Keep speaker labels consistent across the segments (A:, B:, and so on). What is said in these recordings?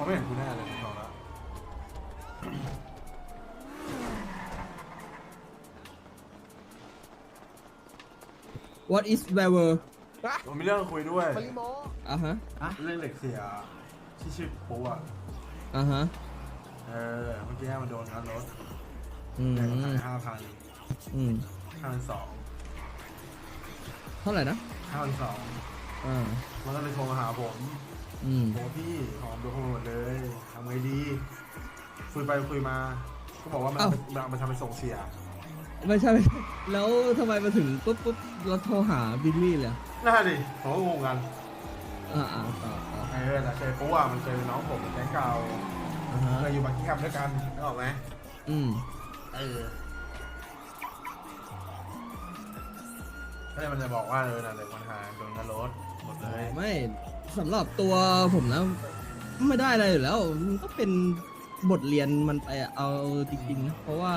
A: ไม่เห็นกูแน่เลยบอกแล้ว
B: What is Weber
A: ผมมีเรื่องคุยด้วย
C: มาริโม
B: อ่ะฮะ
A: เรื่องเหล็กเสียที่ชื่อโป๊ะ
B: อ่ะฮะ
A: เมื่อกี้มันโดนงัดรถ
B: อืม
A: แต่มันขาย5,000
B: อืม
A: 5,200
B: เท่าไหร่นะ
A: 5,200
B: อ่า
A: มันก็เลยโทรมาหาผม
B: อืม
A: โอ้พี่หอมโดนขโมยหมดเลยทำไงดีคุยไปคุยมาก็บอกว่ามันทำไปส่งเสีย
B: ไม่ใช่ไม่ใช่แล้วทำไมมาถึงปุ๊บเราโทรหาบิลลี่เลย
A: น่าดิผมก็งงกัน
B: ต่อ
A: แต่เคยโป๊ะมันเคยเป็นน้องผมแก๊งเก่า
B: อ่ะฮะ
A: เคยอยู่บักกี้แคมป์ด้วยกันนึกออกไหม
B: อืม
A: ก็เลยมันจะบอกว่านั่นเลยมันหาโดนกระโดดหมดเลย
B: ไม่สำหรับตัวผมนะไม่ได้อะไรอยู่แล้วมันก็เป็นบทเรียนมันไปอะเอาจริงๆนะเพราะว่า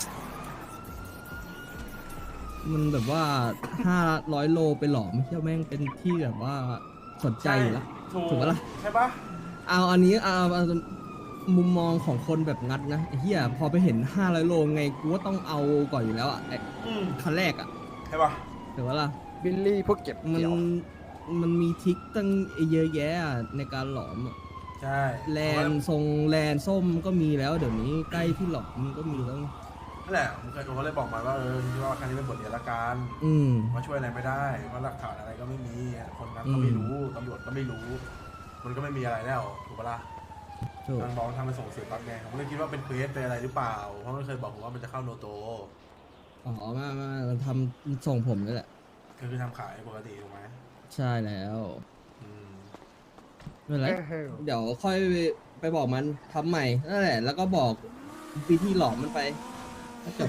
B: มันแบบว่า500 โลไปหลอมไม่ใช่แม่งเป็นที่แบบว่าสนใจอยู่แล้ว ถูกปะล่ะ
A: ใช่ปะ
B: เอาอันนี้เอามุมมองของคนแบบงัดนะไอ้เหี้ยพอไปเห็น500 โลไงกูก็ต้องเอาก่อนอยู่แล้วอ่ะไอ้คันแรกอ่ะ
A: ใช่ปะ
B: ถูกปะล่ะ
C: บิลลี่พวกเก็บ
B: มัน
C: เกี่ยว
B: มันมีทริกตั้งเยอะแยะอะในการหลอมอะ
A: ใช่
B: แลนทรงแลนส้มก็มีแล้วเดี๋ยวนี้ใกล้ที่หลอมก็มีแล้ว
A: นั่นแหละผมก็เลยบอกมาว่าคิดว่าครั้งนี้เป็นบทเรียนละกัน
B: อืม
A: มาช่วยอะไรไม่ได้เพราะหลักฐานอะไรก็ไม่มีคนนั้นก็ไม่รู้ตำรวจก็ไม่รู้ มันก็ไม่มีอะไรแล้วถูกปะล่ะ
B: ถูก
A: ทางบอกทำไปส่งเสียปั๊บไงผมก็เลยคิดว่าเป็นเควสเป็นอะไรหรือเปล่าเพราะมันเคยบอกผมว่ามันจะเข้าโนโต
B: อ๋อมามันทำส่งผมนี่แหละ
A: คือทำขายปกติถูกไหม
B: ใช่แล้ว
A: อืม
B: ไม่เป็นไร
C: เฮ้ย
B: เดี๋ยวค่อยไปบอกมันทำใหม่นั่นแหละ แล้วก็บอกวิธีหลอมมันไปก็จบ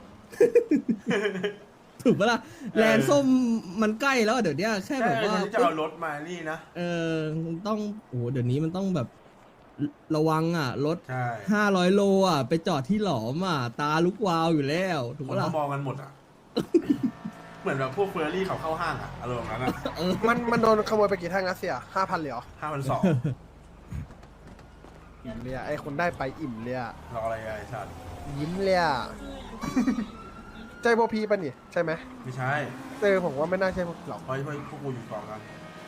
B: ถูกปะล่ะแลนส้มมันใกล้แล้วเดี๋ยวเนี้ยแค่แบบว่า
A: ที่จะเอารถมานี่นะ
B: ต้องโอ้โหเดี๋ยวนี้มันต้องแบบระวังอ่ะรถ
A: ใช่
B: 500 โลอ่ะไปจอดที่หลอมอ่ะตาลุกวาวอยู่แล้วถูก
A: คน
B: ปะล่ะ
A: เขามองกันหมดอ่ะ เหมือนแบบพวกเฟอร์รี่เขาเข้าห้างอ่ะอารมณ์นั้นอ่ะ
C: มันโดนขโมยไปกี่แท่งนะเสีย5,000เหรียญ
A: 5,200
C: อิ่มเลยอะไอ้คนได้ไปอิ่มเลยอะ
A: รออะไรไอ้สัตว์
C: ยิ้มเลยอะ ใจโบพีป่ะนี่ใช่ไหม
A: ไม่ใช่
C: ผมว่าไม่น่าใช่พวกหรอก
A: เพราะพวกกูอยู่กองกัน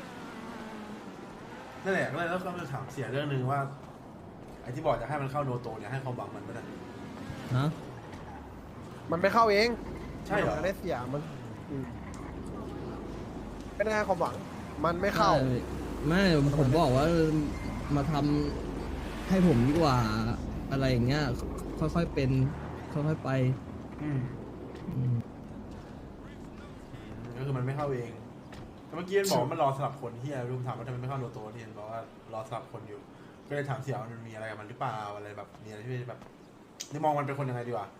A: นั่นแหละก็เลยแล้วก็จะถามเสียเรื่องหนึ่งว่าไอ้ที่บอกจะให้มันเข้าโนโตเนี่ยให้ความหวังมันไม่ได้
B: ฮะ
C: มันไม่เข้าเอง
A: ใช่เหรอ
C: มันได้เสียมันไม่ได้ให้ความหวัง มันไม่เข้า
B: ไม่ผมบอกว่ามาทำให้ผมดีกว่าอะไรอย่างเงี้ยค่อยๆเป็นค่อยๆไป
A: อืม
B: อืม
A: ก็คือมันไม่เข้าเองแต่เมื่อกี้มันบอกว่ามันรอสลับคนที่อะไรรู้ถามว่าทำไมไม่เข้าโนโตเนี่ยบอกว่ารอสลับคนอยู่ ก็เลยถามเสียว่ามันมีอะไรกับมันหรือเปล่าอะไรแบบมีอะไรที่แบบนี่มองมันเป็นคนยังไงดีวะ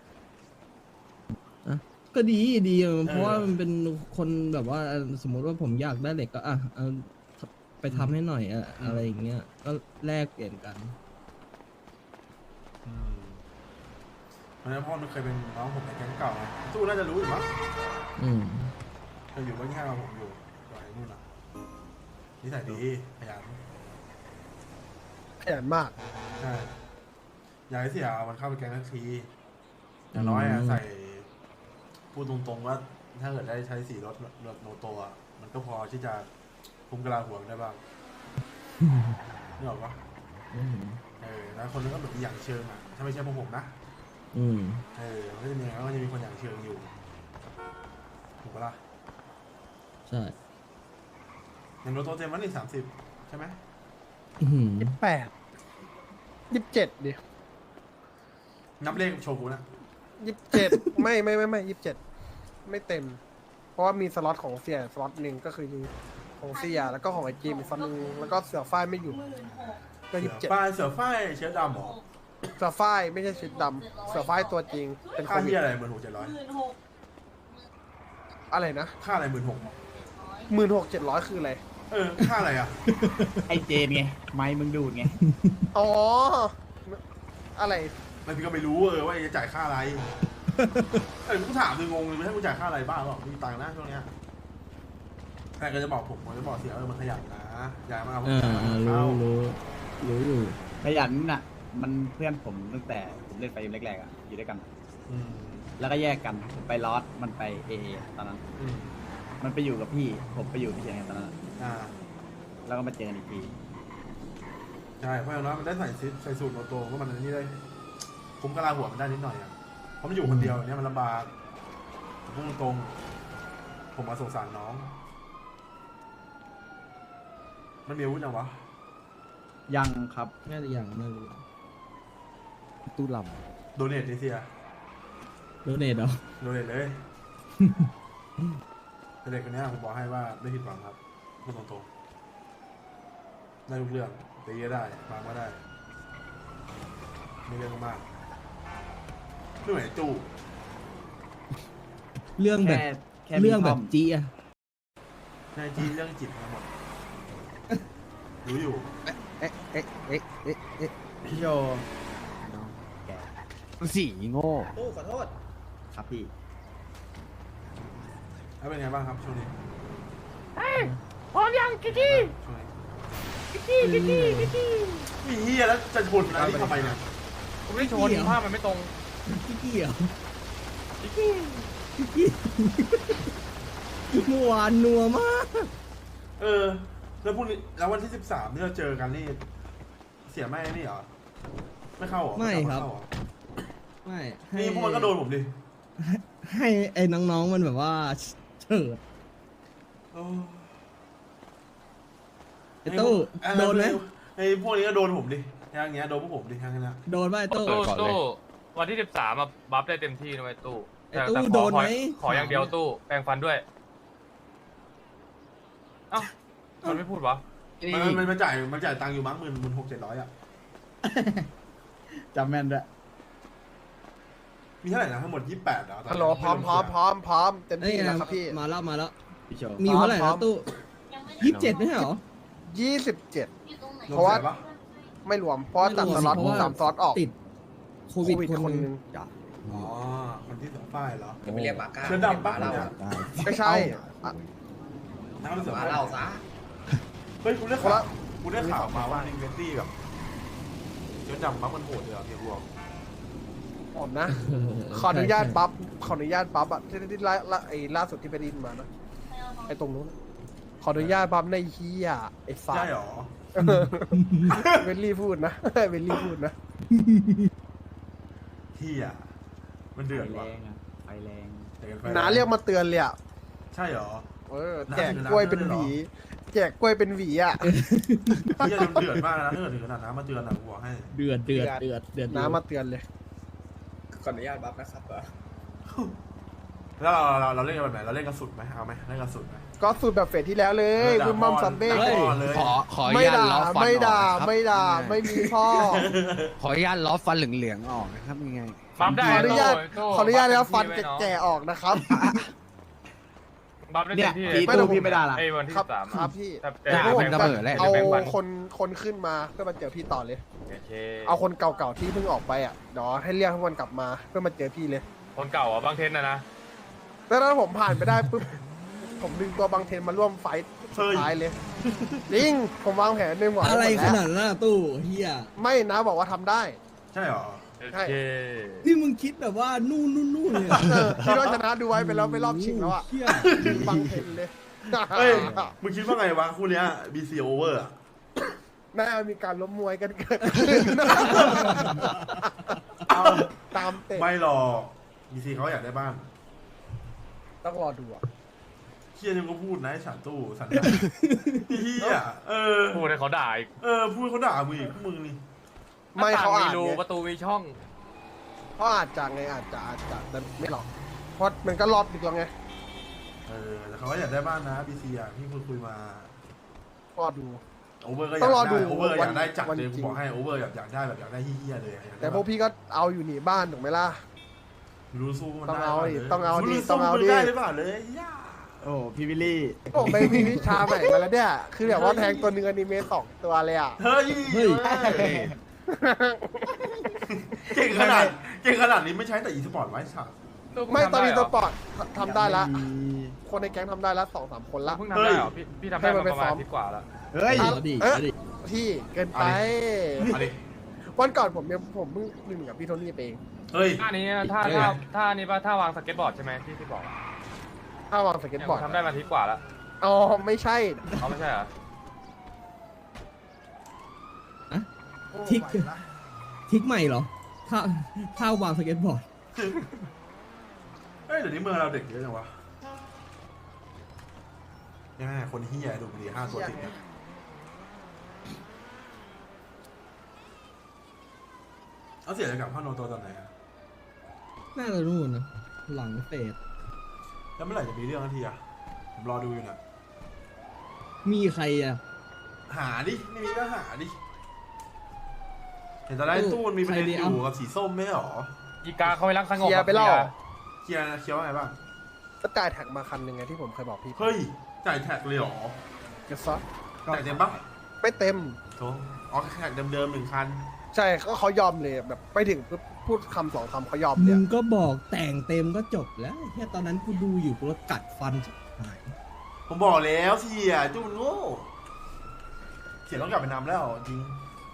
B: ก็ดีเพราะว่ามันเป็นคนแบบว่าสมมุติว่าผมอยากได้เหล็กก็เอาไปทำให้หน่อยอะไรอย่างเงี้ยก็แลกเปลี่ยนกัน
A: เพราะฉะนั้นพ่อมันเคยเป็นน้องผมในแก๊งเก่าไงตู้น่าจะรู้อยู่มั้ง
B: อืม
A: เคยอยู่บ้านข้างกับผมอยู่ก่อนไอ้นู่นอ่ะนิสัยดีขยัน
C: ขยันมาก
A: ใช่อยากให้เสียมันเข้าไปแก๊งทันทีอย่างน้อยอะใส่พูดตรงๆว่าถ้าเกิดได้ใช้สีรถโนโตะมันก็พอที่จะคุ้มกระลาหัวได้บ้างนี่หรอกปะแล้วคนนึงก็แบบอย่างเชิงอ่ะถ้าไม่ใช่พวกผมนะ
B: อืม
A: มันก็จะมีไงก็จะมีคนอย่างเชิงอยู่ถูกปะล่ะ
B: ใช่
A: อย่างโนโตเต็มวันนี้30ใช่ไหม
C: 28 27ดิ
A: นับเลขโชว์กูนะ
C: 27 ไม่27ไม่เต็ม เพราะว่ามีสล็อตของเสียสล็อตหนึ่งก็คือของเสียแล้วก็ของไอจีมอีกสล็อตหนึ่งแล้วก็เสือฝ้ายไม่อยู่ก็ 27
A: ฝ้ายเสือฝ้ายเชื้อดำหรอ
C: เสือฝ้ายไม่ใช่ชุดดำเสือฝ้ายตัวจริงเป็นโค
A: ค่า
C: วิ
A: ที่
C: ด
A: อะไร16,700
C: อะไรนะ
A: ค่าอะไร16,000
C: 16,700คืออะไร
A: ค่าอะไรอ่ะ
D: ไอเจนไง ไม้มึงดูดไง
C: อ๋อ อะไร
A: มันพี่ก็ไม่รู้ว่าจะจ่ายค่าอะไรกูถามงงเลยไม่ให้กูจ่ายค่าอะไรบ้างหรอกมีตังค์นะช่วงเนี้ยแต่ก็จะบอกผมจะบอกเสียมันขยันนะอย่ามาเอาผม
B: รู้อยู่
D: ขยันน่ะ มันเพื่อนผมตั้งแต่ผมเล่นไฟแรกๆอ่ะอยู่ด้วยกัน
A: อืม
D: แล้วก็แยกกันผมไปลอสมันไปเอตอนนั้น
A: อืม
D: มันไปอยู่กับพี่ผมไปอยู่พี่เชียงตอนนั้น
A: อ่า
D: แล้วก็มาเจอกันอีกที
A: ใช่เพราะอย่างน้อยมันได้ใส่สูตรโนโตก็มันอันนี่ได้คุ้มกะลาหัวมันได้นิดหน่อยอ่ะเพราะมันอยู่คนเดียวเนี่ยมันลำบากพุ่งตรงๆผมมาสงสารน้อง มันมีอาวุธยังวะ
D: ยังครับ
B: น่าจะอย่างไม่รู้
E: ตู้ล
A: โดเนทดิเซีย
B: โดเนทเหรอ
A: โดเนทเลย แต่เด็กคนเนี้ยผมบอกให้ว่าไม่ผิดหวังครับพูดตรงๆได้ทุกเรื่องตีก็ได้บางก็ได้ไม่เรื่องมากไม่เหมือนไอ้ตู้
B: เรื่องแบบ
D: แค่
B: เรื่องแบบ
D: มีทม
B: จี้อะ
A: ในจีเรื่องจิตทั้งหมดรู้อยู่
E: ำเอ๊ะเอ๊ะเอ๊ะเอ๊ะเอ๊ะ
D: พี่โยแก
E: สีโง่
C: ตู้ขอโทษ
D: ครับพี่
A: แล้วเป็นไงบ้างครับช่วงนี้
C: พร้อมยังกิ๊กกี้
A: ช่วงนี้
C: กิ๊กกี้กิ๊กกี้กิ๊กกี้
A: มีเฮียแล้วจะชนอะไรที่ทำไมเนี่ย
C: ผมไม่ชนภาพมันไม่ตรง
B: กี้กี้เหรอ
C: กิ๊กกี้
B: กี้กี้เมื่อวานนัวมาก
A: เออ แล้วพรุ่งนี้แล้ววันที่13ที่เราเจอกันนี่เสียแม่นี่เหรอไม่เข้าเหรอ
B: ไม่
A: กลั
B: ครับ
A: เข้าเหอ
B: ไม่ให้
A: นี่พวกมันก็โดนผมดิ
B: ให้ไอ้น้องๆมันแบบว่าเฉิด
A: โอ้
B: ไอ้ตู้โดนไหม
A: ไอ้พวกนี้ก็โดนผมดิอย่างเงี้ยโดนพวกผมดิอย่างเงี้ย
B: โดนป่ะไอ้ตู้
F: ตู้วันที่13อะบัฟได้เต็มที่นะไอ้ตู้
B: ไอ้ตู้โดนไหม
F: ขออย่างเดียวตู้แปรงฟันด้วยเอ้ามันไม่พูดวะ
A: มันจ่ายตังค์อยู่มั้ง16,700อ่ะ
D: จำแม่นด้วย
A: มีเท่าไหร่นะทั้งหมด28เหรอ
C: ฮัลโหลพร้อมเต็ม
B: เอ้ย
C: ที่แล้วครับพี่
B: มาแล้ว
D: พี่โชว์
B: มีอยู่เท่าไหร่
C: พร้อ
B: นะ
C: ม
B: ตู้27ไม่ใช่เหรอ
C: 27
A: เพ
C: เพราะว่า
A: ปะ
C: ไม่รวมเพราะว่าตัดสล็อต
B: เพราะว่า
C: 3 สล็อตออก
B: ติดโควิด
C: โควิด
B: คน
C: คน
B: ห
C: ห
B: นึ
C: นึ่
B: ง
C: ง
A: อ๋อคนที่สองฝ้ายเหรอ
E: จะไปเรียกปากกา
A: เสื้อดำปะเนี่ย
C: ไม่ใช่อ่ะ
A: น้ำเสือ
E: มา
A: ฝ้าย
E: เล่าซะ
A: เฮ้ยกูได้
C: คน
A: ข่า
C: ละ
A: วกูได้ข่าวมาว่าอินเวนตี้แบบเสื้อดำปั๊บมันโหดเลยเหรอเฮียบัว
C: ผมนะ ขออนุญาตปั๊บอ่ะที่ล่าสุดที่ไปไดินมานะไอ้ตรงนู้นขออนุญาตปั๊บในเฮียไอ้ฟ้า
A: ใช่เหรอ
C: เวลลี่พูดนะ เวลลี่พูดนะ
A: เฮียมันเดือด
D: ไฟ
A: ว่ะ
D: แรงอะไฟแรง
A: เดือดไฟ
C: น้าเรียกมาเตือนเลยอ่ะ
A: ใช่เหรอ
C: แจกกล้วยเป็นหวีแจกกล้วยเป็นหวีอ่ะ
A: เฮียมันเดือดมากนะถ้าเกิดถึงขนาดน้ำมาเตือนอ่ะกูบอกให้
B: เดือด
C: น้ามาเตือนเลย
E: ขออนุญาตบัฟนะครับ
A: แล้วเราเล่นกันแบบไหนเราเล่นกันสุดไหมเอาไหมเล่นกันสุดไหม
C: ก็สูตรแบบเฟสที่แล้วเลยคุณมัมซัมเบ้
A: เลย
E: ขออนุ
C: ไม่
E: ญาต
C: ด่า
E: ล้อฟัน
C: ไม่ด่า
E: ออกนะครับ
C: ไม่ด่าไม่มีพ่อ
E: ขออนุญาตล้อฟันเหลืองๆออกนะครับยังไง
F: บัฟได้
C: ขออนุญาต
F: ตู้
C: ขออนุญาตแล้วฟัน
F: บัฟเต็มที่ไว้
C: แก่ๆออกนะครับ
F: บัฟได้
D: เนี่
F: เต็
D: ย
F: มที่
D: พี่
F: เลย
D: ตู้พี่ไม่ได้ละ
F: ไอ้วันที่
C: ครับ
F: 13
C: ครับพี่
F: แต่
E: ด่า
C: ดี๋ยว
E: ผมระเบิดแหละ
C: เอา
F: แปรงฟัน
C: คนขึ้นมาเพื่อมาเจอพี่ต่อเลย
F: โอเค
C: เอาคนเก่าๆที่เพิ่งออกไปอ่ะเดี๋ยวให้เรียกทุกคนกลับมาเพื่อมาเจอพี่เลย
F: คนเก่าอ่ะบางเทนนะ
C: แล้วถ้าผมผ่านไปได้ปุ๊บผมดึงตัวบางเทนมาร่วมไฟท์สุดท้ายเลยจริงผมวางแผนในหัว
B: อะไร
C: หมด
B: ข
C: แล้ว
B: นาดนั้นอะตู้เฮีย
C: ไม่นะบอกว่าทำได้
A: ใช่เหรอ
F: โอ
C: ใช่
F: เค
B: นี่มึงคิดแบบว่านู่นเลยอะ
C: ที่เราชนะดูไว้ไปแล้วไปรอบชิงแล้วอ่ะ
B: เฮีย
C: ดึงบางเทนเลย
A: เฮ้ยมึงคิดว่าไงวะคู่เนี้ย BC over อ่ะ
C: น่ามีการล้มมวยกันเกิดขึ้นเอาตามเตะ
A: ไม่หรอก BC เขาอยากได้บ้าน
C: ต้องรอดูอ่ะ
A: เฮียยังก็พูดนะไอ้ฉันตู้สันเฮีย
F: พูดให้เขาด่าอีก
A: พูดเขาด่ามึงอีกพวกมึงนี่
C: ไม่เขา
F: หน้
C: อา
F: ต่ง
C: จ
F: รู
C: ไง
F: ประตูมีช่อง
C: เขาอาจจะไงอาจจะแต่ไม่หรอกเพราะมันก็รอบดึกแล้วไง
A: แต่เขาก็อยากได้บ้านนะ BC อ่ะที่คุยมา
C: รอดู
A: โอเวอร์ก็อยา
C: ต้
A: ก
C: องรอ
A: ได้
C: ดู
A: โอเวอร์อยากได้จัด
C: วัน
A: เลย
C: จริ
A: กู
C: ง
A: บอกให้โอเวอร์อยากได้แบบอยากได้เฮียเลยอยากได้
C: แต่พวกพี่ก็เอาอยู่หนีบ้านถูกไหมล่ะ
A: รู้สู้มัน
C: ต้อง
A: ได้
C: เอาดิ
A: ลย
C: ต้องเอาดิ
A: รู้
C: ต้
A: สู้
C: องเอา
A: มัน
C: ดิ
A: ได้หรือเปล่าเลยย่า
D: โอ้พี่วิลลี่
C: ผมไปมีวิชาใหม่มาแล้วเนี่ยคือแบบว่าแทงตัวเนื้ออนิเมะ2 ตัวเลยอ่ะ
A: เฮ้ยเก่งขนาดนี้ไม่ใช้แต่อีสปอร์ตไว้สัตว์
C: ไม่ตอนนี้ตัวปอดทำได้ละ
D: ยังมี
C: คนในแก๊งทำได้ละ2-3 คนละ
F: เพิ่งทำได้เหรอพี่ทำได้มาประมาณอาทิตย์กว่าแล้ว
D: เฮ้ย
B: เอาดิ
C: เอ๊ะ
B: เอาดิ
C: พี่เกินไป
A: เอาดิ
C: วันก่อนผมเพิ่งลืมกับพี่โทนี่ไปเอง
A: เฮ้ย
F: ท่านี้ท่านี้ป่ะท่าวางสเก็ตบอร์ดใช่ไหมที่บอกอะ
C: ถ้าวางสเก็ตบอร์ด
F: ทำได้มาอาทิตย์กว่าแล้ว
C: อ๋อไม่ใช่
F: เขาไม่ใช่เหรอ
B: ทิกใหม่เหรอถ้าวางสเก็ตบอร์ด
A: เฮ้ยเดี๋ยวนี้เมืองเราเด็กเยอะจังวะยังไงคนที่ใหญ่ดูบุหรี่5 ตัวติดเนี่ยเอาเสียจะกลับพ่อโนโตตอนไหนอะ
B: น่าจะนู่นนะหลังเฟส
A: แล้วเมื่อไหร่จะมีเรื่องทันทีอะผมรอดูอยู่น่ะ
B: มีใครอ่ะ
A: หาดิไม่มีก็หาดิเห็นตอนแรกตู้มันมีประเด็นอยู่กับสีส้มไม่ใช่หรอ
F: อีกาเขาไปรักสงบ
C: เคลียร์ไปแล้ว
A: เคลียร์ว่าไงบ้าง
C: ก็จ่ายแท็กมาคันหนึ่งไงที่ผมเคยบอกพี่
A: เฮ้ยจ่ายแท็กเลยเหรอ
C: เก็บซะ
A: จ่ายเต็มปะ
C: ไม่เต็ม
A: โถอ๋อแท็กเดิมๆ1 คัน
C: ใช่ก็เขายอมเลยแบบไปถึงปุ๊บพูดคำ2 คำเขายอมเล
B: มึ
C: ย
B: งก็บอกแต่งเต็มก็จบแล้วแค่ตอนนั้นกูดูอยู่กูรถกัดฟันชิบหาย
A: ผมบอกแล้วเสียจูนโง่เสียต้องกลับไปนำแล้วจริง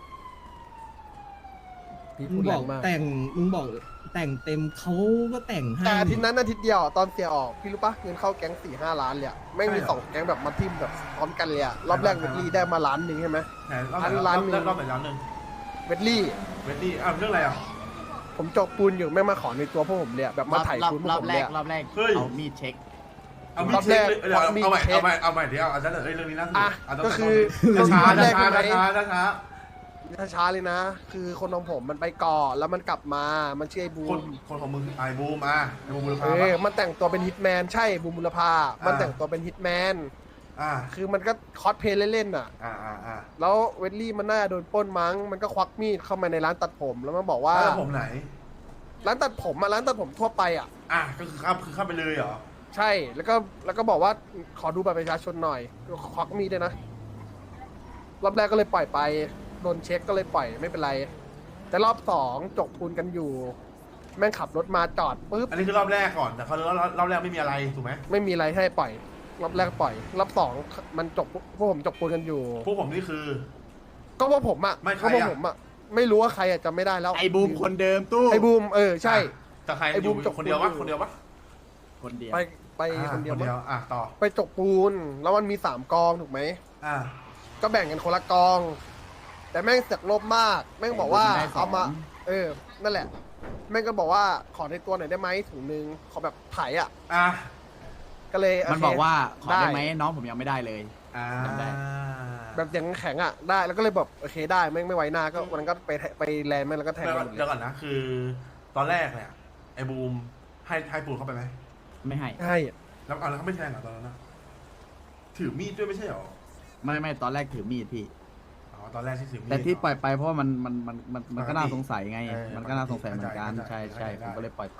C: พี่
B: มึ
C: พู
B: ง
C: ด
B: บ
C: แร
B: อก
C: งมาก
B: แต่งมึงบอกแต่งเต็มเขาก็แต่งให้
C: แต่อาทิตย์นั้นอาทิตย์เดียวตอนเสียออกพี่รู้ปะเงินเข้าแก๊ง4-5 ล้านเลยอะแม่งมี2 แก๊งแบบมาทิมแบบพร้อมกันเลยอะรอบแรกเวดลี่ได้มา1 ล้านใช่ไหม
A: แหมรอบไหน
C: ร้านหนึ่ง
A: รอบไหนร้านหนึ่ง
C: เวดลี่
A: เวดดี้อ้าวเรื่องอะไรอ่ะ
C: ผมจกปูนอยู่แม่งมาขอในตัวพวกผมเลยอะแบบมาถ่ายปูนพวก
D: รอ
C: ผ
D: บ
C: ม
D: แร
C: เลย
D: ก
C: อะ
D: รอบแรก
A: เฮ้ย
D: เอามีดเช็ค
A: เอามี
C: รอบ
A: เช็ค
C: แรก
A: เลยเดี๋ยว
C: มี
A: เอาใหม่
C: เช็ค
A: เอาใหม่เดี๋ยวเอาเรื่องนี้น่าสนุก
C: อ่ะ
A: เอา
C: ก็คือ
A: ช้าร
C: อบแรก
A: ช้า
C: ใช่ไหม
A: ช้าช้าช้า
C: ช้าๆเลยนะ คือคนของผมมันไปก่อนแล้วมันกลับมามันชื่อไอ้บู
A: คน
C: ม
A: คนของมึงไอ้บูมอ่ะไอ้บูมบุร
C: เอ
A: พา
C: อ
A: ปะ
C: มันแต่งตัวเป็นฮิตแมนใช่บูมบุรพามันแต่งตัวเป็นฮิตแมน
A: อ่า
C: คือมันก็คอสเพลย์เล่นๆอ่ะ
A: อ่า
C: แล้วเวดลี่มันน่าจะโดนปล้นมั้ง มันก็ควักมีดเข้ามาในร้านตัดผม แล้วมันบอกว่า
A: แล้วผมไหน
C: ร้านตัดผมอะร้านตัดผมทั่วไปอ่ะ
A: อ่ะก็คือเข้าไปเลยเหรอ
C: ใช่ แล้วก็บอกว่าขอดูบัตรประชาชนหน่อยก็ควักมีดด้วยนะ รอบแรกก็เลยปล่อยไป โดนเช็คก็เลยปล่อยไม่เป็นไร แต่รอบ2จกปูนกันอยู่ แม่งขับรถมาจอดปุ๊บ
A: อันนี้คือรอบแรกก่อนแต่เขารอบแรกไม่มีอะไรถูกไหม
C: ไม่มีอะไรให้ปล่อย รอบแรกปล่อย รอบ2มันจกพวกผมจกปูนกันอยู่
A: พวกผมนี่คือ
C: ก็ว่าผมอ่ะ
A: ไม่ใคร
C: ก็
A: อะ
C: ว่าผมอ่ะ ไม่รู้ว่าใครอ่ะจำไม่ได้แล้ว
D: ไอ้บูมคนเดิมตู้
C: ไอ้บูมใช่
A: แต่ใคร
C: ไอ้บูม
A: อยู่
C: จก
A: คนเดียววะ
C: ปูน
A: คนเดียววะ
D: คนเดียว
C: ไปคนเดียวมั้ง
A: อ่ะต่อ
C: ไปจกปูน แล้วมันมี3 กองถูกไหม
A: อ่า
C: ก็แบ่งกันคนละกอง แต่แม่งเสือกโลภมาก แม่งบอกว่าเอามา นั่นแหละ แม่งก็บอกว่าขอในตัวหน่อยได้ไหมถุงนึงขอแบบไถอ่ะ
A: อ่ะ
C: ก็เลยโเค
D: มันบอกว่าขอได้
C: ได้
D: ไหมน้องผมยังไม่ได้เลย
A: อ่า
D: จำได้
C: แบบเสียงแข็งอ่ะได้แล้วก็เลยแบบโอเคได้แม่งไม่ไว้หน้าก็วันนั้นก็ไปแลนด์แม่งแล้วก็แทง
A: เดี๋ยว
C: กั
A: ก่อน
C: นหมด
A: เดี๋ยว
C: เลย
A: ก่อนนะคือตอนแรกเนี่ยไอ้บูมให้ปูนเข้าไปไหม
D: ไม่ให้
C: ใช่
A: แล้วเอาแล้วเขาไม่แทงเหรอตอนนั้นนะถือมีดด้วยไม่ใช่เหรอ
D: ไม่ตอนแรกถือมีดพี่
A: อ๋อตอนแรกที่ถือมีด
D: แต่ที่ปล่อยไปเพราะว่ามัน
A: ปกติ
D: ก็น่าสงสัยไง
A: เออ
D: มันก็น่าสงสัยเหมือนกัน
A: เข้าใจ
D: ใช่
A: เข้าใจ
D: ผมก็เลยปล่อยไป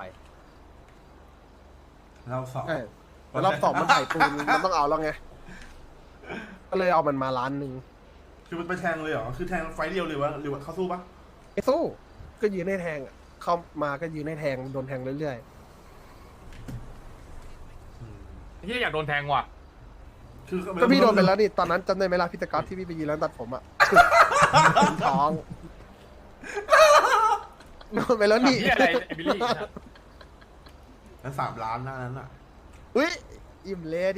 A: เราสอบ
C: ใช่แต่รอบ2มันไถปูนมันต้องเอาแล้วไงก็เลยเอามันมาล้านหนึ่ง
A: คือมันไปแทงเลยเหรอคือแทงไฟเดียวเลยวะหรือว่าเขาสู้ปะ
C: ไอ้สู้ก็ยืนให้แทงอะเข้ามาก็ยืนให้แทงโดนแทงเรื่อย
A: อืม
F: ที่อยากโดนแทงว่ะ
A: คือ
C: ๆก็พี่โดนไปแล้วนี่ตอนนั้นจำได้ไหมล่ะพี่ตะก๊อตที่พี่ไปยืนร้านตัดผมอ่ะ ท้องโดนไปแล้วนี่
F: ที่อะไรไอ้บิลลี่นะ
A: แล้ว3 ล้านหน้านั้นอ่ะ
C: อุ้ยอิ่มเละดิ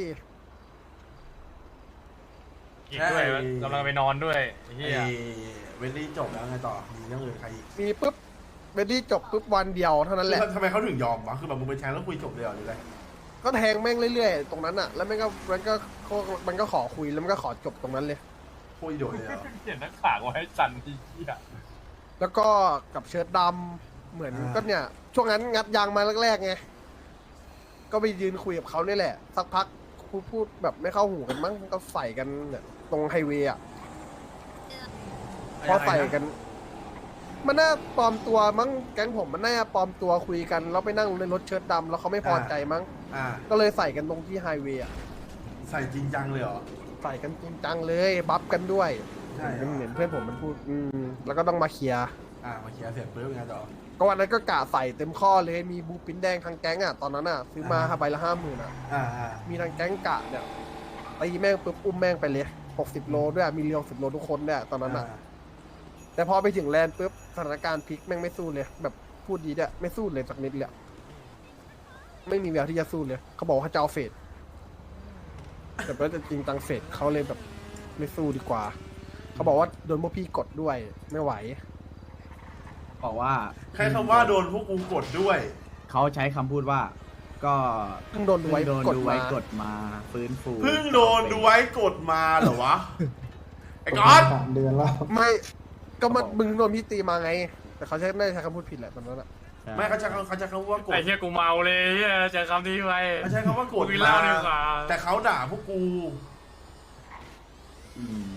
F: อีกด้วยกำลังไปนอนด้วยไอ้เหี้
A: ไอ้
F: ย
A: เวลลี่จบแล้วไงต่อมีเรื่องอื่นใครอีก
C: มีปุ๊บเบดดี้จบปุ๊บวันเดียวเท่านั้นแหละ
A: ทำไมเขาถึงยอมวะคือแบบมึงไปแทงแล้วคุยจบเลยเหรอหรืออะไร
C: ก็แทงแม่งเรื่อยๆตรงนั้นอ่ะ แล้วมันก็ขอคุยแล้วมันก็ขอจบตรงนั้นเลย
A: โคตรอีโดดเลยเหรอ
F: เขียนหน้าขากไว้ให้จันทีเหี้ย
C: แล้วก็กับเชิ้ตดำเหมือนก็เนี่ย ช่วงนั้นงัดยางมาแรกๆไงก็ไปยืนคุยกับเขาเนี่ยแหละสักพักพูดแบบไม่เข้าหูกันมั้งก็ใส่กันเนี่ยตรงไฮเวย์อ่ะพอใส่กัน มันน่าปลอมตัวมั้งแก๊งผมมันน่าปลอมตัวคุยกันแล้วไปนั่งในรถเชิ้ตดำแล้วเขาไม่พอใจมั้ง
A: อ่า
C: ก็เลยใส่กันตรงที่ไฮเวย์อ่ะ
A: ใส่จริงจังเลยเหรอ
C: ใส่กันจริงจังเลยบัฟกันด้วย
A: ใช่เหรอ
C: เหมือนเพื่อนผมมันพูดแล้วก็ต้องมาเคลียร์
A: มาเคลียร์เสร็จปุ๊บไงต่อ
C: ก็วันนั้นก็กะใส่เต็มข้อเลยมีบูปินแดงทางแก๊งอ่ะตอนนั้นอ่ะซื้อมาใบละ50,000อ่ะ
A: อ่า
C: มีทางแก๊งกะเนี่ยตีแม่งปุ๊บอุ้มแม่งไปเลย60 โลด้วยมีเรียว10 โลทุกคนเนี่ยตอนนั้นอ่ะแต่พอไปถึงแลนด์ปุ๊บสถานการณ์พลิกแม่งไม่สู้เลย แบบพูดดีด้วยไม่สู้เลยสักนิดเลยไม่มีแววที่จะสู้เลยเขาบอกว่าเขาจะเอาเฟดแต่ว่าจริงตังเฟดเขาเลยแบบไม่สู้ดีกว่าเขาบอกว่าโดนพวกพี่กดด้วยไม่ไหว
D: บอกว่า
A: แค่คำว่าโดนพวกกูกดด้วย
D: เขาใช้คำพูดว่า ก็
C: เพิ่งโดนดูไว้
D: โดน
C: กด
D: ดู
C: มา
D: ไว้กดมาฟื้นฟู
A: เพิ่งโดนดูไว้กดมาเหรอวะ ไอ้ก๊อต
C: ไม่ก็มันมึงโดนพี่ตีมาไง แต่เขาใช้ไม่ได้ใช้คำพูดผิดแหละตอนนั้นอะ
D: ใช่
A: ไม่เขาใช้คำว่ากด
F: ไอ้เหี้ยกูเมาเลยเหี้ยเจอคำนี้ไป
A: เขาใช้คำว่ากด
F: คุย
A: มา
F: เล่าดีกว่า
A: แต่เขาด่าพวกกู
D: อืม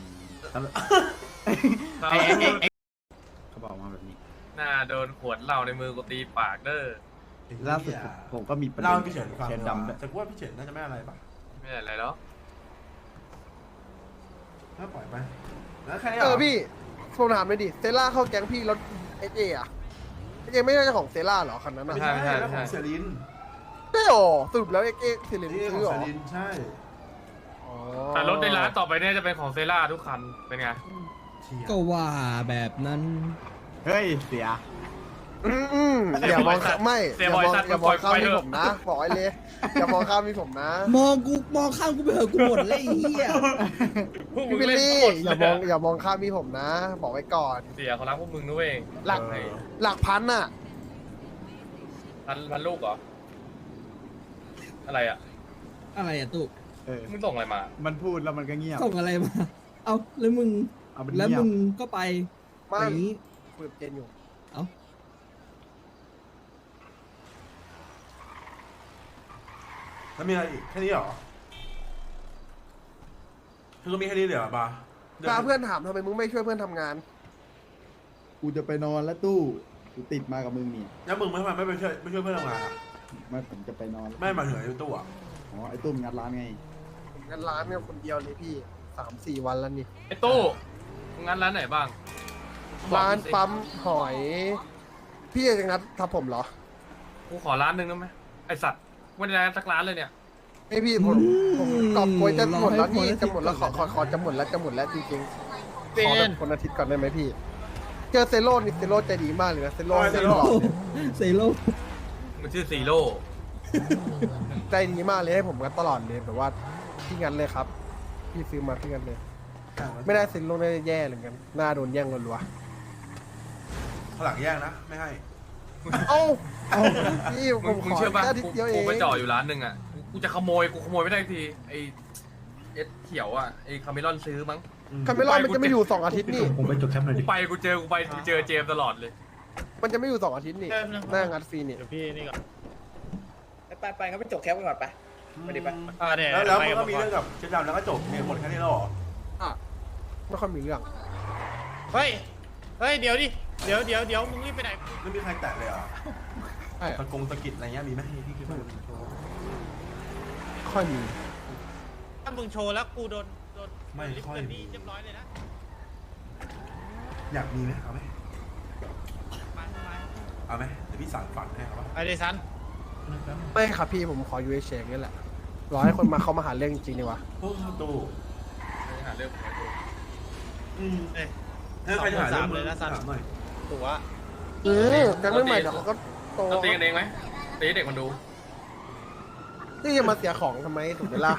D: เขาบอกมาแบบนี้
F: น่าโดนขวดเหล้าในมือกูตีปากเด้อ
D: ล่าสุดผมก็มีประเด็
A: เล่าน ให้พี่เฉินฟัง
D: เชิญดำด้วย
A: แต่กูว่าพี่เฉินน่าจะไม่อะไรปะ
F: ไม่อะไรแล้ว
A: น่าปล่อยไปแล้วแค่นี้
C: เอ
A: เหร
C: อพี่ผมถามเลยดิเซล่าเข้าแก๊งพี่รถเอเจอะเอเจไม่ใช่เจ้าของเซล่าเหรอคันนั้น
A: ไม่
C: อะ
A: ใช่แล้วของเซริน
C: ใช่หรอสรุปแล้วเอเจเซเลน
A: นี่ขอ
C: ซื้อง เหร
A: เซ
C: อ
A: รินใช่
C: อ๋อ
F: แต่รถในร้านต่อไปเนี่ยจะเป็นของเซล่าทุกคัน เป็นไง
A: เชี่ย
B: ก็ว่าแบบนั้น
D: เฮ้ยเสีย
C: อย่ามองไม่
F: เสีย
C: อย่า
F: บ
C: ม
F: ริ
C: อง
F: ษัท
C: อย่ามองข้าม
F: ปล่อย
C: พี่
F: เถอะ
C: ผมนะบอกไอ้เลยอย่ามองข้ามพี่ผมนะ
B: มองข้ามกูไปเถอะกูหมดเลยไอ้เหี้ย
F: พวกมึ
C: พี่
F: ง
C: บิล
F: เล่น
C: ลี่
F: หมด
C: อย่ามองข้ามพี่ผมนะ บอกไว้ก่อน
F: เสียเขารักพวกมึงด้วย
C: หลัก หลักพันอะ
F: พันลูกเหรอ อะไรอ่ะ
B: อะไรอะตุ๊ก
D: เออ
F: มึงส่งอะไรมา
D: มันพูดแล้วมันก็เงียบ
B: ส่งอะไรมา เอาแล้วมึง
D: เอามัน
B: แล้ว
D: เงีย
B: มึ
D: บ
B: งก็ไป
C: ไม่
B: อย่างนี้
C: คุยกับเจนอยู่
B: เอ้า
A: แล้วมีอะไรอีกแค่นี้เหรอคือก็มีแค่นี้เหรอบาร์
C: ถ้าเพื่อนถามทำไมมึงไม่ช่วยเพื่อนทำงาน
G: กูจะไปนอนแล้วตู้กูติดมากับมึงนี่
A: แล้วมึงไม่ทำไมไม่ไปช่วยเพื่อนทำงานอ่ะ
G: ไม่ผมจะไปนอน
A: ไม่มาถึงไอ้ตู้อ่ะ
G: อ๋อไอ้ตู้มันงัดร้านไง
C: ผมงานร้านเนี่ยคนเดียวเลยพี่3-4 วันแล้วนี่
F: ไอ้ตู้มึงงั้นร้านไหนบ้าง
C: ร้าน
F: บอกสิ
C: ปั๊มหอย พี่จะงัดทับผมเหรอ
F: กูขอร้านหนึ่งได้ไหมไอสัตว์ไม่ได้ร้านสักร้านเลยเนี่ย
C: ไอพี่ผมกอบโกยจะหมดแล้วนี่จะหมดแล้วขอจะหมดแล้วจริงๆขอแบบคนอาทิตย์ก่อนได้ไหมพี่ เจอเซโร่นี่เซโร่ใจดีมากเลยนะเซโร่
A: โอ้ยเซโร่
B: เซโร่
F: มันชื่อซีโร่
C: ใจดีมากเลยให้ผมงัดตลอดเลยแบบว่าพี่งัดเลยครับ พี่ซื้อมาพี่งัดเลย ไม่ได้เซโร่ได้แย่เลยกันหน้าโดนแย่งรัว
A: ข้างหลังแย่งนะ ไม่ให้
C: ๆเอ้าพี่ผ
F: มึ
C: ม
F: ง
C: ขอ
F: เชื่อป่ะ
C: แค่อาทิตย์เดียวเอ
F: กู
C: ง
F: ไปจ่ออยู่ร้านหนึ่งอ่ะกูจะขโมยไม่ได้ทีไอเอสเขียวอ่ะไอคาเมลอนซื้อมั้ง
C: คาเมลอนมันจะไม่อยู่2 อาทิตย์นี่
F: กูเจอเจมส์ตลอดเลย
C: มันจะไม่อยู่2 อาทิตย์นี่หน้างัดฟรีนี่
H: ไปงั้นไปจบแคปกันก่อนไป ไปดิไป
A: แล้วมันก็มีเรื่องกับเจ๊ดำแล้วก็จบเนี่ยหมดแค่นี้แล้วเหรอ
C: อ่ะไม่ค่อยมีเรื่อง
H: เฮ้ย เดี๋ยวดิ เดี๋ยวมึงรีบไปไหน
A: ไม่มีใครแตะเลยเหรอ
C: ใช่
A: ตะกงตะกิดอะไรเงี้ยมีไหมพี่คิดว่า
C: ค่อยมี
H: ถ้ามึงโชว์แล้วกูโดน
A: ไม่ค่อย
H: เรี
A: มี
H: เรียบร้อยเลยนะ
A: อยากมีไหมเอาไหมเอาไหมเดี๋ยวพี่สั่งฝันให้เอาปะ
H: ไอเดซัน
C: ไม่ครับพี่ผมขอยูเอชเนี่แหละรอให้คนมาเขามาหาเรื่องจริงๆดีกว่า
A: โอ้ตู้
F: หาเรื่อง
A: อืม
H: เอ้ย
A: ถ้าใครจะหาเรื่อง
H: เลยนะสัน
A: ถามหน่อย
H: ตัว
C: แก๊งใหม่ๆเดี๋ยวเขาก็โต
F: เราตีกันเองไหมตีให้เด็กมันดู
C: นี่จะมาเสียของทำไมถูกไหมล่ะ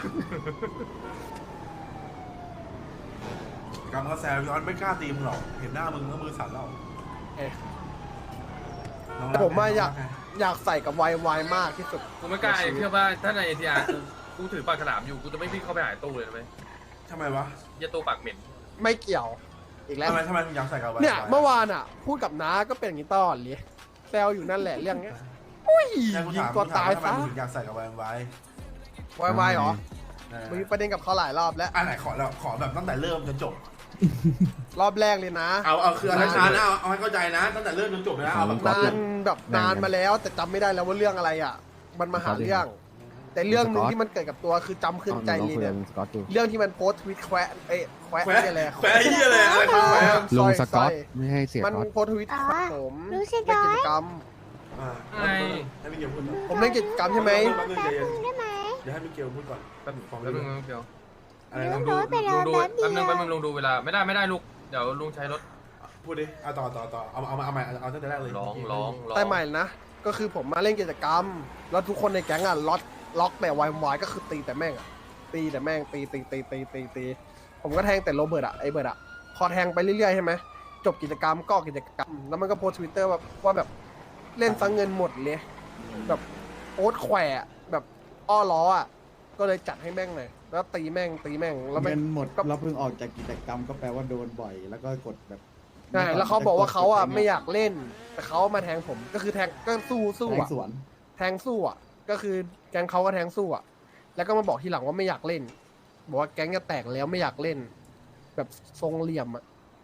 A: กำกระแซวย้อนไม่กล้าตีมึงหรอกเห็นหน้ามึงก็มือสั่นแล้ว
C: เอ๊ะ
A: น้อง
C: แต่ผมว่า
A: รักไง
C: อยากใส่กับวายมากที่สุด
F: กูไม่กล้าเชื่อว่าถ้าในเอทีอาร์กูถือปากฉลามอยู่กูจะไม่วิ่งเข้าไปหาตู้เลยนะเว้ย
A: ทำไมวะ
F: เหี้ยตู้ปากเหม็น
C: ไม่เกี่ยว อีกแล้ว
A: ทำไมถึงอยากใส่กับ
C: เนี่ยเมื่อวานอ่ะ พูดกับน้าก็เป็นอย่างนี้ตลอดเลยแซวอยู่นั่นแหละเรื่องเนี้ยอุ้ย
A: เนี่ยกู
C: ยิง
A: ถาม
C: ตัวตาย
A: ทำไม
C: ซะ
A: มึงถึงอยากใส่กับแวมไว้
C: วายเหรอ
A: เออ
C: มีประเด็นกับเขาหลายรอบแล้ว
A: อันไหนขอแล้วขอแบบตั้งแต่เริ่มจนจบ
C: รอบแรกเลยนะ
A: เอาคืออะไรช้านะเอาให้เข้าใจนะ ตั้งแต่เริ่มจนจบเลยนะเอาแบบ
C: นานแบบนานมาแล้วแต่จำไม่ได้แล้วว่าเรื่องอะไรอ่ะ มันมาหาเรื่อง แต่เรื่องหนึ่งที่มันเกิดกับตัวคือจำขึ้นใจเลยเนี่ยเรื่องที่มันโพสต์ทวิตแควะแควะอะไร
A: แขวะยี่อะไรอะไรคือแขวะ
C: ลุงสกอตไม่ให้เสียมันโพสต์ทวิตผม
I: ลุงส
C: เล่น
I: ก๊อต
C: กิจกรรม
A: ให้พี่เกียวพูดก่อน
C: ผมเล่นกิจกรรมใช่ไหม
A: แป๊บนึงใจเย็น
I: ได้ไหม
A: เดี๋ยวให้พี่เกียวพูดก่อน
F: แป๊บนึงแป๊บนึงเดี๋ยว
A: อะไร
I: ลุ
A: นะ
I: งโดนไปแล้ว
F: ดู
I: แป๊บเดี
F: แป๊บนึง
I: ยว
F: ลุงดูเวลาไม่ได้ลูกเดี๋ยวลุงใช้รถ
A: พูพูดดิเอาต่อเอาใหม่เอาตั้งแต่แรกเลย
F: ร้อง
C: แต่ใหม่นะก็คือผมมาเล่นกิจกรรม แล้วทุกคนในแก๊งอ่ะล็อกแต่วายก็คือตีแต่แม่งอ่ะตีแต่แม่งตีผมก็แทงแต่โรเบิร์ตอ่ะไอเบิร์ตอ่ะพอแทงไปเรื่อยๆใช่ไหมจบกิจกรรมก็กิจกรรมแล้วมันก็โพสทวิตเตอร์ว่าแบบเล่นซังเงินหมดเลยแบบโอ๊ตแขวะแบบอ้อล้ออ่ะก็เลยจัดให้แม่งเลยแล้วตีแม่งแล้ว
G: เงินหมด
C: ก็
G: เราเพิ่งออกจากกิจกรรมก็แปลว่าโดนบ่อย แล้วก็กดแบบ
C: ใช่แล้วเขาบอกว่าเขาอ่ะไม่อยากเล่น แต่เขามาแทงผมก็คือแทงก็สู้
G: แทง
C: อ่ะ
G: สวน
C: แทงสู้อ่ะก็คือแก๊งเขาก็แทงสู้อ่ะแล้วก็มาบอกทีหลังว่าไม่อยากเล่น บอกว่าแก๊งจะแตกแล้วไม่อยากเล่น แบบทรงเหลี่ยมอ่ะ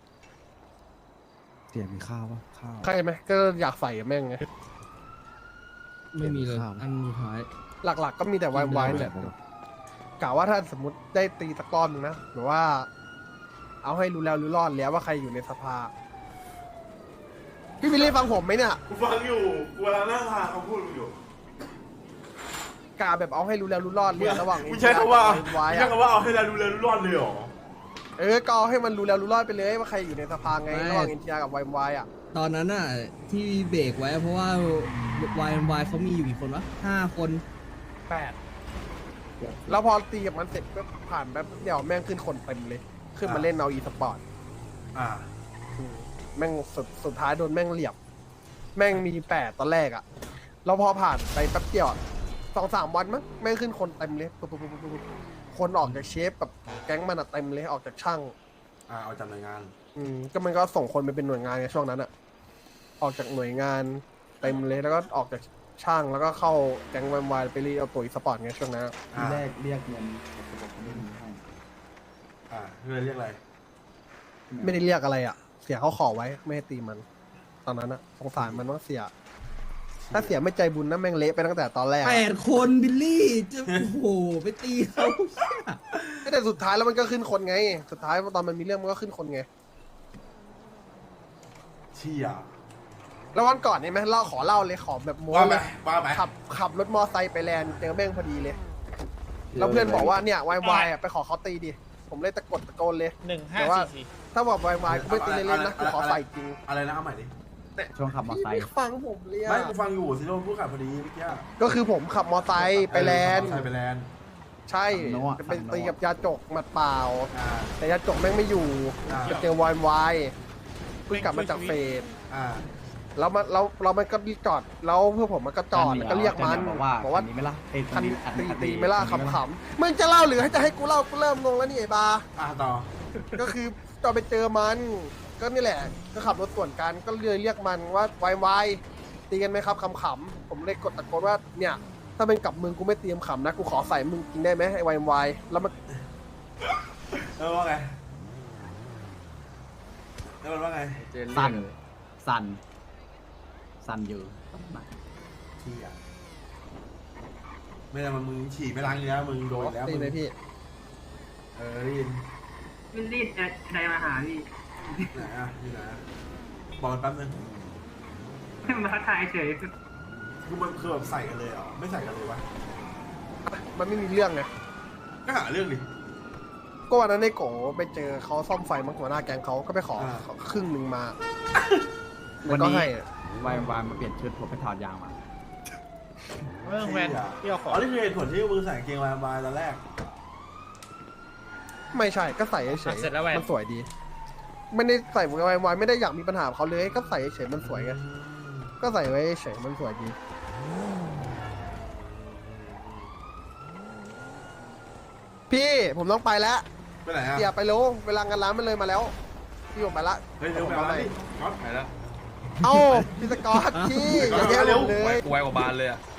E: เสียมีข้าวปะข้าว
C: ใช่ไหมก็อยากใส่กับแม่งไง
B: ไม่มีเลย
E: ข้าวนะ
B: อันสุดท้าย
C: หลักๆก็มีแต่วายๆเนี่ยกะว่าถ้าสมมติได้ตีสักรอบนึงนะหรือว่า เอาให้รู้แล้วรู้รอดแล้วว่าใครอยู่ในสภาพี่วิลลี่ฟังผมไหมเนี่ย
A: กูฟังอยู่กูกำลังนั่งทานเขาพูดอยู่
C: กะแบบเอาให้รู้แล้วรู้รอดเลยระหว่าง
A: มึงใช้คำว่า
C: วาย
A: มึงใช้คำว่าเอาให้เราดูแลรู้รอดเลยเหรอ
C: ก็เอาให้มันรู้แล้วรู้รอดไปเลยว่าใครอยู่ในสภาไงระหว่างเอ็นทีอาร์กับวายอ่ะ
B: ตอนนั้นน่ะที่เบรกไว้เพราะว่าวายเขามีอยู่กี่คนวะ5 คน
C: 8แล้วพอตีกับมันเสร็จก็ผ่านแป๊บเดียวแม่งขึ้นคนเต็มเลย ขึ้นมาเล่นเอาอีสปอร์ต
A: อ่า
C: แม่งสุดท้ายโดนแม่งเหลี่ยมแม่งมี8ตอนแรกอะแล้วพอผ่านไปแป๊บเดียว2-3 วันมั้งแม่งขึ้นคนเต็มเลยปุ๊บคนออกจากเชฟกับแก๊งมันอะเต็มเลยออกจากช่าง
A: เอาจากหน่วยงาน
C: ก็มันก็ส่งคนไปเป็นหน่วยงานในช่วงนั้นอะออกจากหน่วยงานเต็มเลยแล้วก็ออกจากช่างแล้วก็เข้าแก๊งวายไปรีเอาตัวอีสปอร์ตไงช่วงนั้น
G: ทีแรกเรียกเงินแต่ผมไม่มีให้
A: เรียกอะไร
C: ไม่ได้เรียกอะไรอะเสียเขาขอไว้ไม่ให้ตีมัน ตอนนั้นอะสงสารมันว่าเสีย ถ้าเสียไม่ใจบุญนะแม่งเละไปตั้งแต่ตอนแรกอะ
B: 8 คนบิลลี่จะโอ้โหไปตีเขา
C: แต่สุดท้ายแล้วมันก็ขึ้นคนไง สุดท้ายตอนมันมีเรื่องมันก็ขึ้นคนไง
A: เชี่ย
C: แล้ววันก่อนนี่ไหมขอเล่าเลยขอแบบโม้
A: ว่าไป
C: เลย
A: ว่าไป
C: ขับรถมอไซค์ไปแลนด์เจอแม่งพอดีเลย แล้วเพื่อนบอกว่าเนี่ยวายอะไปขอเขาตีดิ ผมเลยตะโกนเลย แต่ว่า
H: 1544
C: ถ้าบอกวายกูไม่ตีเล่นๆนะกูขอใส่จริง
A: อะไรนะเอาใหม่ดิ
D: ช่วงขับมอเตอร์ไซ
C: ไม่
D: ค์
C: ฟังผมเลยอะ
A: ไม่กูฟังอยู่สิโดนพูดขับพอดีเมื่อกี้
C: ก็คือผมขับมอไซค์ไปแลนด์
A: ใช่ไปแลนด์
C: ใช่จะไปตีกับยาจกหมัดเปล่า
A: อ่า
C: แต่ยาจกแม่งไม่อยู่
A: อ่า
C: จะเจอวายเพิ่งกลับมาจากเฟส
A: อ่า
C: แล้วมันก็จอดแล้วเพื่อผมมันก็จอดแล้วก็เรียกมัน
D: บอกว่าคันนี้ไม่ล่ะ
C: คันตีไม่ล่าขำๆมึงจะเล่าหรือให้จะให้กูเล่ากูเริ่มงงแล้วนี่ไอ้บา
A: ต่อ
C: ก็คือตอนไปเจอมันก็นี่แหละก็ขับรถสวนกันก็เลยเรียกมันว่าวายตีกันไหมครับขำๆผมเลยกดตะโกนว่าเนี่ยถ้าเป็นกับมึงกูไม่เตรียมขำนะกูขอใส่มึงกินได้ไหมไอ้วายแล้วมัน
A: แล้วว่าไงแล้วมันว่าไง
D: สั่นอยู่
A: เชี่ยไม่ได้มึงฉี่ไม่ล้างเนื้อมึงโดนแล้ว
C: ตี
A: มึง
C: เลยพี่
A: ได้ยิน
I: วิลลี่ใครมาหาพี่
A: ไหนนี่ไหนบอกมันแป๊บนึง
I: มาทักทายเฉย
A: คือมันคือแบบใส่กันเลยเหรอไม่ใส่กันเลยวะ
C: มันไม่มีเรื่องไง
A: ก็หาเรื่องดิ
C: ก็วันนั้นในโกไปเจอเขาซ่อมไฟมั้งหัวหน้าแก๊งเขาก็ไปขอ
A: อ่า
C: ครึ่งหนึ่งมา
D: วัน
C: ก็
D: นี้
C: ให้
D: วายมาเปลี่ยนชุดผมไปถอดยางมา
H: เรื่องแวนที่เอาขอ
A: อ๋อนี่คือเหตุผลที่มึงใส่กางเกงวายบายตอนแรก
C: ไม่ใช่ก็ใส่เฉย
H: เสร็จแล้วแวน
C: มันสวยดี ไม่ได้ใส่วายไม่ได้อยากมีปัญหากับเขาเลยก็ใส่เฉยมันสวยไงก็ใส่ไว้เฉยมันสวยดีพี่ผมต้องไปแล้ว
A: ไปไหนอ่ะ
C: อย่าไปโลเวลางานร้านมันเลยมาแล้วพี่ผมไปละ
A: เฮ้ยเร็วไปเอาดิก๊อต
F: ไปแล้ว
C: เอ้าพี่สกอตพี่อย่าแย่งผมเลย
F: กูไวกว่าบานเลยอ่ะ